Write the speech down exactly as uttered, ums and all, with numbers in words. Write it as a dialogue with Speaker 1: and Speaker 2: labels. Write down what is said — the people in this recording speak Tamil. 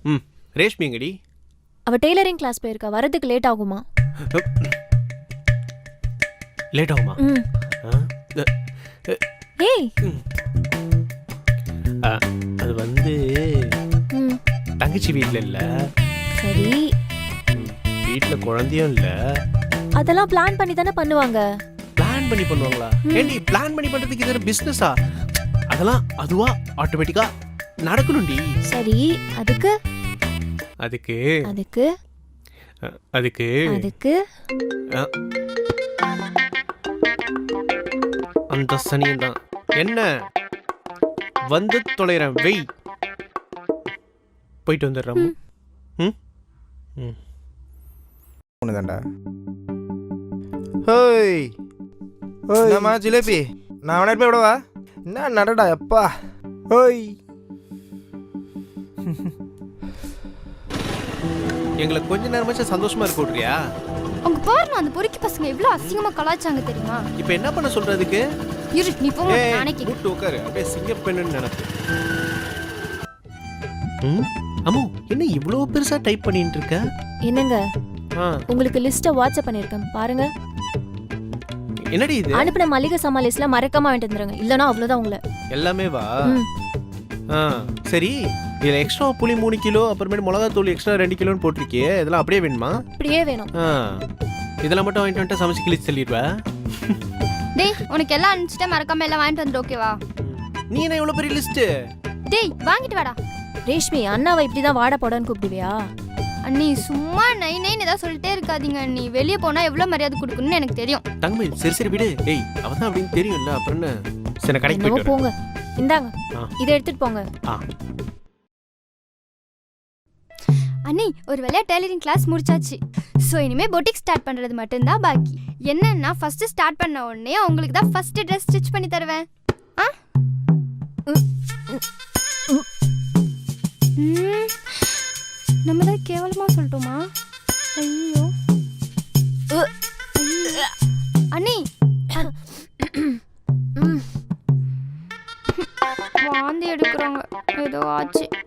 Speaker 1: ம் ரேஷ்மி எங்கடி?
Speaker 2: அவ டெய்லரிங் கிளாஸ் போயிருக்கா, வரதுக்கு லேட் ஆகுமா?
Speaker 1: லேட் ஆகுமா?
Speaker 2: ம் ஏய்
Speaker 1: அது வந்து
Speaker 2: ம்
Speaker 1: தங்கச்சி வீட்டில் இல்லை.
Speaker 2: சரி,
Speaker 1: வீட்டில் குழந்தையும் இல்லை.
Speaker 2: அதெல்லாம் பிளான் பண்ணி தானே பண்ணுவாங்க.
Speaker 1: பிளான் பண்ணி பண்ணுவாங்களா? ஏண்டி பிளான் பண்ணி பண்ணுறதுக்கு இது பிஸ்னஸா? அதெல்லாம் அதுவா ஆட்டோமேட்டிக்கா நடக்கணும்டி.
Speaker 2: சரி, அதுக்கு
Speaker 1: அதுக்கு
Speaker 2: அதுக்கு
Speaker 1: அதுக்கு
Speaker 2: அதுக்கு
Speaker 1: அந்த சனியும் தான். என்ன வந்து தொலைறேன், வெய். போயிட்டு வந்துடுறோம். ம் ம்
Speaker 3: ஒண்ணுதான்டா. ஹோய் என்னம்மா ஜிலேபி, நான் அவனை போய் விடவா? என்ன நடடா எப்பா. ஹோய்
Speaker 1: எங்களை கொஞ்ச நேரமாச்சும் சந்தோஷமா இருக்க விட்றியா?
Speaker 4: அவங்க பாருங்க, அந்த பொறுக்கி பசங்க எவ்வளோ அசிங்கமா கலாச்சாங்க தெரியுமா?
Speaker 1: இப்போ என்ன பண்ண சொல்றதுக்கு?
Speaker 4: இரு நீ போ, நானே கேட்க.
Speaker 1: கூட்டு உட்காரு, அப்படியே சிங்கப்பெண்ணுன்னு நினைப்பு. ம் அம்மு, என்ன இவ்வளோ பெருசா டைப் பண்ணிட்டு இருக்க?
Speaker 2: என்னங்க,
Speaker 1: ஆ
Speaker 2: உங்களுக்கு லிஸ்ட்டை வாட்ஸ்அப் பண்ணியிருக்கேன் பாருங்க.
Speaker 1: என்னடி இது?
Speaker 2: அனுப்பின மளிகை சாமான் லிஸ்ட்ல மறக்காம வாங்கிட்டு வந்துருங்க, இல்லைன்னா அவ்வளோதான் உங்களை.
Speaker 1: எல்லாமே வா.
Speaker 2: ம்
Speaker 1: ஆ சரி, இதில் எக்ஸ்ட்ரா புளி மூணு கிலோ, அப்புறமேட்டு மிளகா தூள் எக்ஸ்ட்ரா ரெண்டு கிலோன்னு போட்டிருக்கியே, இதெல்லாம் அப்படியே வேணுமா?
Speaker 2: இப்படியே வேணும்.
Speaker 1: ஆ இதெல்லாம் மட்டும் வாங்கிட்டு வந்துட்டு சமைச்சு கிழிச்சு சொல்லிடுவேன்.
Speaker 4: டேய் உனக்கு எல்லாம் அனுப்பிச்சிட்டே மறக்காம எல்லாம் வாங்கிட்டு வந்துடு, ஓகேவா?
Speaker 1: நீ என்ன இவ்வளோ பெரிய லிஸ்ட்டு?
Speaker 4: டேய் வாங்கிட்டு வாடா.
Speaker 2: ரேஷ்மி, அண்ணாவை இப்படிதான் வாட போடான்னு கூப்பிடுவியா?
Speaker 4: அண்ணி சும்மா நை நைன்னு ஏதாவது சொல்லிட்டே இருக்காதீங்க அண்ணி. வெளியே போனா எவ்வளோ மரியாதை கொடுக்கணும்னு எனக்கு தெரியும்.
Speaker 1: தங்கமயில், சரி சரி விடு. டேய் அவன் தான் அப்படின்னு தெரியும்ல, அப்புறம் என்ன? சரி கடைக்கு
Speaker 2: என்னவோ
Speaker 1: போயிட்டு
Speaker 2: போங்க, இந்தாங்க
Speaker 1: ஆ.
Speaker 2: இதை எடுத்துட்டு போங்க.
Speaker 1: ஆ
Speaker 4: அண்ணி ஒரு வேலையா டெய்லரிங் கிளாஸ் முடிச்சாச்சு. ஸோ இனிமே பொட்டிக் ஸ்டார்ட் பண்றது மட்டும்தான் பாக்கி. என்னன்னா ஃபர்ஸ்ட் ஸ்டார்ட் பண்ண உடனே உங்களுக்கு தான் ஃபர்ஸ்ட் ட்ரெஸ் ஸ்டிச் பண்ணி தருவேன். ஆ நம்ம தான் கேவலமா சொல்லிட்டோமா? ஐயோ அண்ணி, வாந்தி எடுக்கிறாங்க, ஏதோ ஆச்சு.